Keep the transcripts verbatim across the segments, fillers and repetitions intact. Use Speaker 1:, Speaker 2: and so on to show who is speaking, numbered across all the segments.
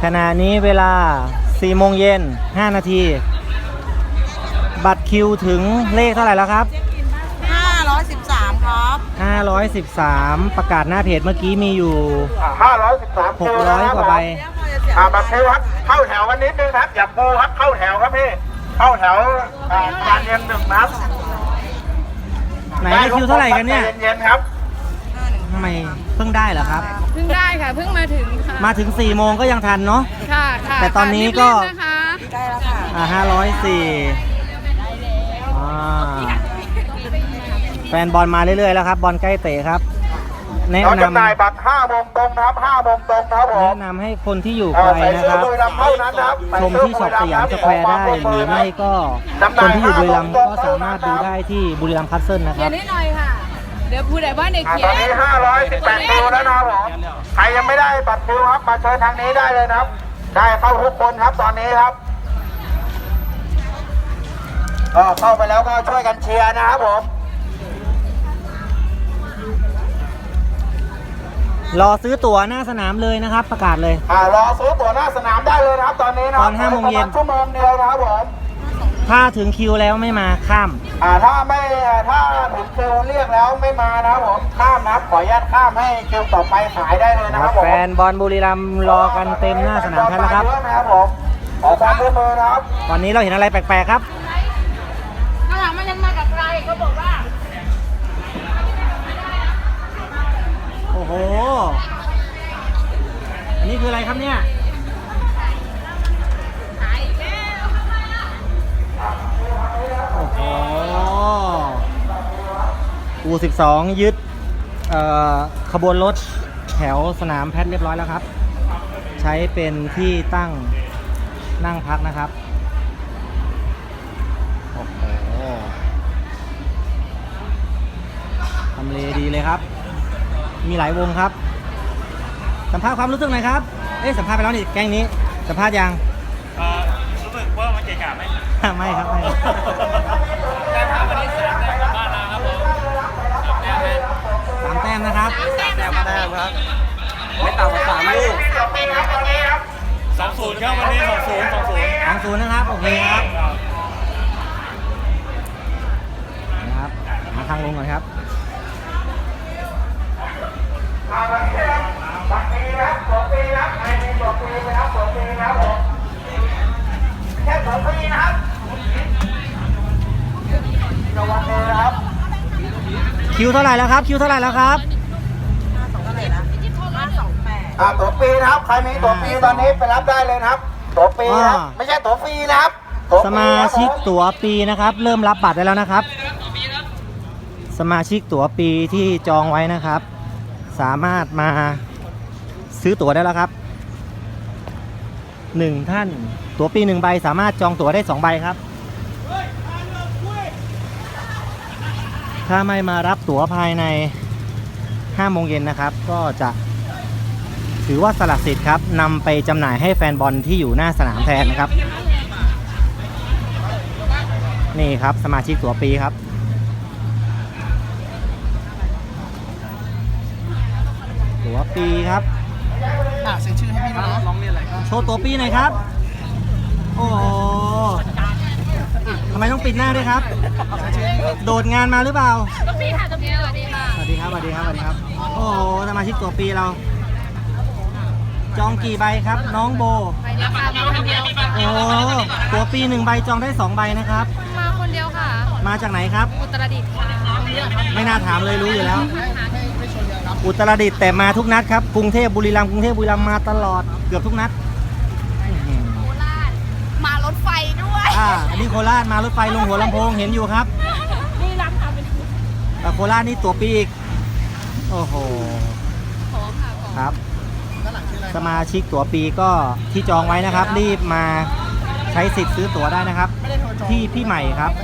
Speaker 1: ขณะนี้เวลาสี่โมงเย็นห้านาทีบัตรคิวถึงเลขเท่าไหร่แล้วครับ
Speaker 2: ห้าร้อยสิบสามครับ
Speaker 1: ห้าร้อยสิบสามประกาศหน้าเพจเมื่อกี้มีอยู่
Speaker 3: ห้าร้อยสิบสาม
Speaker 1: หกร้อยกว่าใบ
Speaker 3: อ่าบัตรคิวครับเข้าแถวกันนิดนึงครับอย่าปูครับเข้าแถวครับพี่เข้าแถวอ่าการเรียนหนึ่งนัด
Speaker 1: ไหนได้คิวเท่าไหร่กันเนี่ย
Speaker 3: เย็นๆครับ
Speaker 1: ทำไมเพิ่งได้เหรอครับ
Speaker 4: เพิ่งได้ค่ะเพิ่งมาถึงค่ะ
Speaker 1: มาถึงสี่โมงก็ยังทันเนาะ
Speaker 4: ค่ะค่ะ
Speaker 1: แต่ตอนนี้ก็
Speaker 2: ได้แล้วค่ะ
Speaker 1: อ่าห้าร้อยสี่อ่าแฟนบอลมาเรื่อยๆแล้วครับบอลใกล้เตะครับแนะนำ
Speaker 3: จำหน่ายบัตรห้าโมงตรงครับห้าโมงตรงครับผม
Speaker 1: แนะนำให้คนที่อยู่ไกลนะครับชมที่ช็อปสยามสแควร์ได้หรือไม่ก็คนที่อยู่บุรีรัมย์ก็สามารถดูได้ที่บุรีรัมย์คัสเซิลนะค
Speaker 4: เดี๋
Speaker 1: รั
Speaker 4: ย
Speaker 1: บ
Speaker 4: วนิดหน่อยค่ะเดี๋ยวพูดได้บ้านเด็กเขีย
Speaker 3: ตอนนี้ห้าร้อยสิบแปดคิวแล้วนะครับผมใครยังไม่ได้บัตรคิวครับมาเชิญทางนี้ได้เลยนะครับได้เข้าทุกคนครับตอนนี้ครับก็เข้าไปแล้วก็ช่วยกันเชียร์นะครับผม
Speaker 1: รอซื้อตั๋วหน้าสนามเลยนะครับประกาศเลย
Speaker 3: อ่ารอซื้อตั๋วหน้าสนามได้เลยนะครับตอนนี้นะ
Speaker 1: ตอนห้าโมงเย็น
Speaker 3: ชั่วโมงเดียวนะครับผม
Speaker 1: ถ้าถึงคิวแล้วไม่มาข้าม
Speaker 3: อ่าถ้าไม่ถ้าถึงคิวเรียกแล้วไม่มานะครับผมข้ามนะครับขออนุญาตข้ามให้คิวต่อไปขายได้เลยนะครับผม
Speaker 1: แฟนบอลบุรีรัมย์รอกันเต็มหน้าสนามแล้วครับ
Speaker 3: นะครับผมขอความร่วมมือนะครับ
Speaker 1: ตอนนี้เราเห็นอะไรแปลกๆครับ
Speaker 4: ข้างหลังมันยังมากับใครเขาบอกว่า
Speaker 1: โอ้โหอันนี้คืออะไรครับเนี่ยโอ้โหอูสิบสองยึดขบวนรถแถวสนามแพทย์เรียบร้อยแล้วครับใช้เป็นที่ตั้งนั่งพักนะครับโอ้โหทำเลดีเลยครับมีหลายวงครับสัมภาษณ์ความรู้สึกหน่อยครับเอ๊ะสัมภาษณ์ไปแล้วนี่แก๊งนี้สัมภาษณ์ยัง
Speaker 5: รู้สึกว่ามันเจ๋งๆไหม
Speaker 1: ไม่ครับไม่
Speaker 5: แต่ถ้าวันนี้สามแต้มกลับบ้านแล้วครับผม
Speaker 1: สามแต้มนะครับ
Speaker 5: สามแต้มแต้มครับไม่ต่ำกว่าสามลูกสองศูนย์ครับวันนี้สองศูนย์สองศูนย์
Speaker 1: สองศูนย์นะครับโอเคครับนะครับมาทางลงก่อนครับ
Speaker 3: บัตรปีครับตัวปีครับใครมีตัวปีนะครับตัวปีครับผมแค่ตัวปีนะครับระวังเลยนะครับ
Speaker 1: คิวเท่าไหร่แล้วครับคิวเท่าไหร่แล้วครับ
Speaker 3: อ่าตัวปีนะครับใครมีตัวปีตอนนี้ไปรับได้เลยนะครับตัวปีครับไม่ใช่ตัวฟรีนะครับ
Speaker 1: สมาชิกตั๋วปีนะครับเริ่มรับบัตรได้แล้วนะครับสมาชิกตั๋วปีที่จองไว้นะครับสามารถมาซื้อตั๋วได้แล้วครับหนึ่งท่านตั๋วปีหนึ่งใบสามารถจองตั๋วได้สองใบครับถ้าไม่มารับตั๋วภายในห้าโมงเย็นนะครับก็จะถือว่าสละสิทธิ์ครับนำไปจำหน่ายให้แฟนบอลที่อยู่หน้าสนามแทนนะครับนี่ครับสมาชิกตั๋วปีครับตั๋วปีครับ
Speaker 2: อ่าเซ็นชื่อให้พี่นะ
Speaker 5: ร้องเรียนอะไรครับ
Speaker 1: โชว์ตั๋วปีหน่อยครับโอ้โหทำไมต้องปิดหน้าด้วยครับโดดงานมาหรือเปล่า
Speaker 4: ตัวปีค่ะตัวปีสวัสดีค่ะ
Speaker 1: สวัสดีครับสวัสดีครับสวัสดีครับโอ้โหสมาชิกตั๋วปีเราจองกี่ใบครับน้องโบ
Speaker 4: ใบเดียวค่ะมาคนเดียว
Speaker 1: โอ้ตั๋วปีหนึ่งใบจองได้สองใบนะครับ
Speaker 4: มาคนเดียวค่ะ
Speaker 1: มาจากไหนครับ
Speaker 4: อุตรดิตถ์ค่ะ
Speaker 1: ไม่น่าถามเลยรู้อยู่แล้วอุตรดิตถ์แต่มาทุกนัดครับกรุงเทพบุรีรัมย์กรุงเทพบุรีรัมย์มาตลอดเกือบทุกนัด
Speaker 4: โคราชมารถไฟด้วย
Speaker 1: อ่าอันนี้โคราชมารถไฟลงหัวลำโพงเห็นอยู่ครับ
Speaker 4: นี่รับทำเป็น
Speaker 1: แต่โคราชนี่ตั๋วปีอีกโอ้โหครับสมาชิกตั๋วปีก็ที่จองไว้นะครับรีบมาใช้สิทธิ์ซื้อตั๋วได้นะครับที่พี่ใหม่ครับ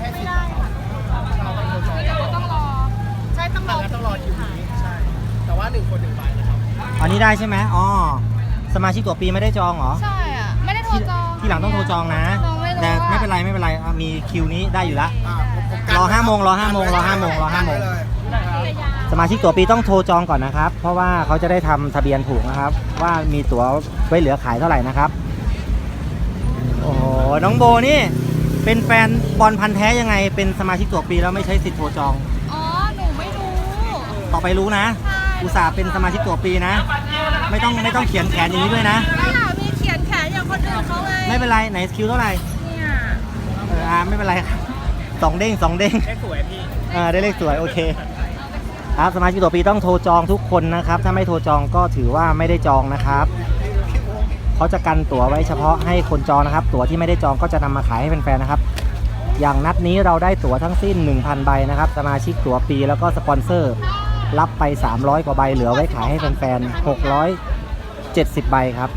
Speaker 4: ต้องรอใช่ต้องรอ
Speaker 2: ต้องรอคิวนี้ใช่แต่ว่าหนึ่งคนหนึ่งใบนะครับ
Speaker 1: อันนี้ได้ใช่ไหมอ๋อสมาชิกตั๋วปีไม่ได้จองเหรอ
Speaker 4: ใช่อ่ะไม่ได้โทรจอง
Speaker 1: ที่หลังต้องโทรจองนะแต่ไม่เป็นไรไม่เป็นไรมีคิวนี้ได้อยู่แล้วรอห้าโมงรอห้าโมงรอห้าโมงรอห้าโมงสมาชิกตั๋วปีต้องโทรจองก่อนนะครับเพราะว่าเขาจะได้ทำทะเบียนถูกนะครับ ว่ามีตั๋วไว้เหลือขายเท่าไหร่นะครับ โอ้โหน้องโบนี่เป็นแฟนบอลพันธุ์แท้ยังไงเป็นสมาชิกตั๋วปีแล้วไม่ใช้สิทธิ์โทรจอง
Speaker 4: อ๋อ หนูไม่รู้
Speaker 1: ต่อไปรู้นะ
Speaker 4: ใช่
Speaker 1: อุตส่าห์เป็นสมาชิกตั๋วปีนะ ไม่ต้องไม่ต้องเขียนแขนอย่างนี้ด้วยนะ
Speaker 4: ไม่ค่ะมีเขียนแขนอย่างคนอื่นเขาไง
Speaker 1: ไม่เป็นไรไหนคิวเท่าไหร่
Speaker 4: เนี่ย
Speaker 1: เอออ่าไม่เป็นไรครับสองเด้งสองเด้ง
Speaker 2: ได้สวยพี่
Speaker 1: เออได้เลขสวยโอเคครับสมาชิกตั๋วปีต้องโทรจองทุกคนนะครับ ถ้าไม่โทรจองก็ถือว่าไม่ได้จองนะครับเขาจะกันตั๋วไว้เฉพาะให้คนจองนะครับ ตั๋วที่ไม่ได้จองก็จะนำมาขายให้แฟนๆนะครับ อย่างนัดนี้เราได้ตั๋วทั้งสิ้น หนึ่งพัน ใบนะครับสมาชิกตั๋วปีแล้วก็สปอนเซอร์รับไปสามร้อยกว่าใบเหลือไว้ขายให้แฟนๆหกร้อยเจ็ดสิบใบครับ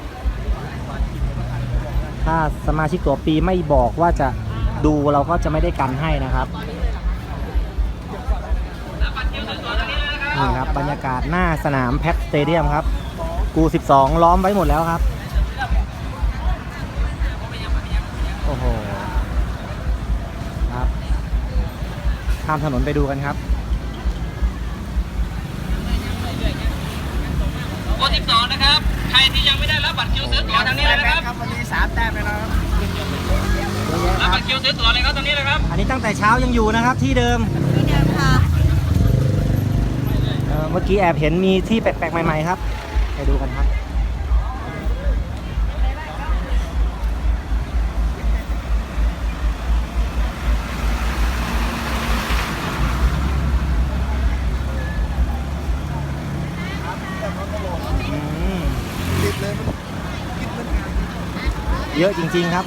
Speaker 1: ถ้าสมาชิกตั๋วปีไม่บอกว่าจะดูเราก็จะไม่ได้กันให้นะครับนี่ครับบรรยากาศหน้าสนามแพ็คสเตเดียมครับกูสิบสองล้อมไว้หมดแล้วครับโอ้โหครับข้ามถนนไปดูกันครับ
Speaker 5: โอสิบสองนะครับ ใครที่ยังไม่ได้รับบัตรคิวซื้อตั๋วทางนี้เลยนะครับ
Speaker 2: ครับวันนี้สามแต้มไปแล้วครับ
Speaker 5: รับบัตรคิวซื้อตั๋วเลยครับตรงนี้เลยครับ
Speaker 1: อันนี้ตั้งแต่เช้ายังอยู่นะครับที่เดิม
Speaker 4: ที่เดิมค่ะ
Speaker 1: เอ่อเมื่อกี้แอบเห็นมีที่แปลกๆใหม่ๆครับไปดูกันครับอืมเยอะจริงๆครับ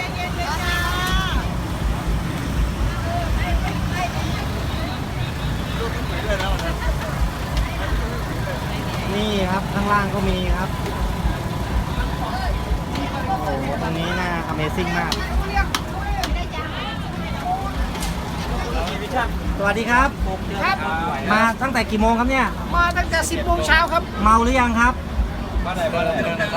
Speaker 1: นี่ครับข้างล่างก็มีครับโอ้โหตรงนี้น่า Amazing มากสวัสดีครับ
Speaker 2: ครับ
Speaker 1: มาตั้งแต่กี่โมงครับเนี่ย
Speaker 2: มาตั้งแต่สิบโมงเช้าครับ
Speaker 1: เมาหรือยังครับ
Speaker 5: มาไหนมาไหน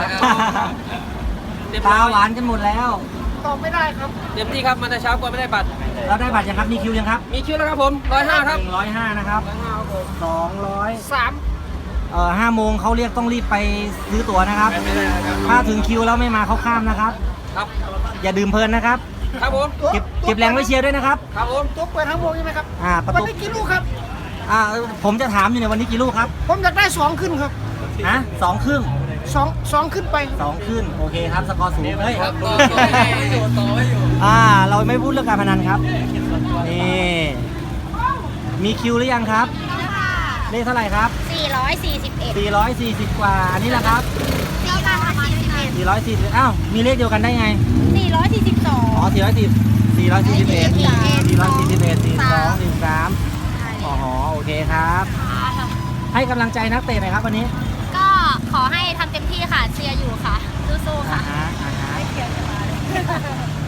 Speaker 1: ตาหวานกันหมดแล้ว
Speaker 2: ตอบไม่ได้ครับ
Speaker 5: เต็มที่ครับมาแต่เช้ากว่าไม่ได้บัตร
Speaker 1: เราได้บัตรยังครับ มีคิวยังครับ
Speaker 5: มีคิวแล้วครับผมร้อยห้าครับ
Speaker 1: หนึ่งร้อยห้านะครับสองร้อย
Speaker 2: สาม
Speaker 1: เอ่อห้าโมงเขาเรียกต้องรีบไปซื้อตั๋วนะครับ ถ้าถึงคิวแล้วไม่มาเขาข้ามนะครับ
Speaker 5: ครับ
Speaker 1: อย่าดื่มเพลินนะครับ
Speaker 5: ครับผม
Speaker 1: เก็บเก็บแรงไว้เชียร์ด้วยนะครับ
Speaker 5: ครับผม
Speaker 2: ตัวเปิดทั้งวงใช่ไหมครับ
Speaker 1: อ่าประ
Speaker 2: วัน
Speaker 1: ตู
Speaker 2: นี้กี่ลูกครับ
Speaker 1: อ่าผมจะถามอยู่ในยวันนี้กี่ลูกครับ
Speaker 2: ผมอยากได้สองขึ้นครับ
Speaker 1: ฮะสองครึ่ง
Speaker 2: สองสองขึ้นไป
Speaker 1: สองขึ้นโอเคครับสกอร์สูงเฮ้ย
Speaker 5: ครับต่อต่อไม่อยู่ต่อไม่อยู่
Speaker 1: อ่าเราไม่พูดเรื่องการพนันครับนี่มีคิวหรือยังครับเลขเท่าไหร่ครับ
Speaker 4: สี่ร้อยสี่สิบเอ็ด
Speaker 1: สี่ร้อยสี่สิบกว่าอันนี้แหละครับ
Speaker 4: สี่ร้อยสี่สิบเอ็ด
Speaker 1: สี่ร้อยสี่สิบอ้าวมีเลขเดียวกันได้ไง
Speaker 4: สี่ร้อยสี่สิบสอง
Speaker 1: อ๋อสี่ร้อยสี่สี่ร้อยสี่สิบเอ็ดสี่ร้อยสี่สิบเอ็ดสี่สองสี่สามอ๋อโอเคครับ ให้กำลังใจนักเตะหน่อยครับวันนี้
Speaker 4: ก็ขอให้ทำเต็มที่ค่ะ เชียร์อยู่ค่ะ สู้ๆ
Speaker 1: อ่า
Speaker 4: ค่ะ
Speaker 1: ฮะอ่าฮะ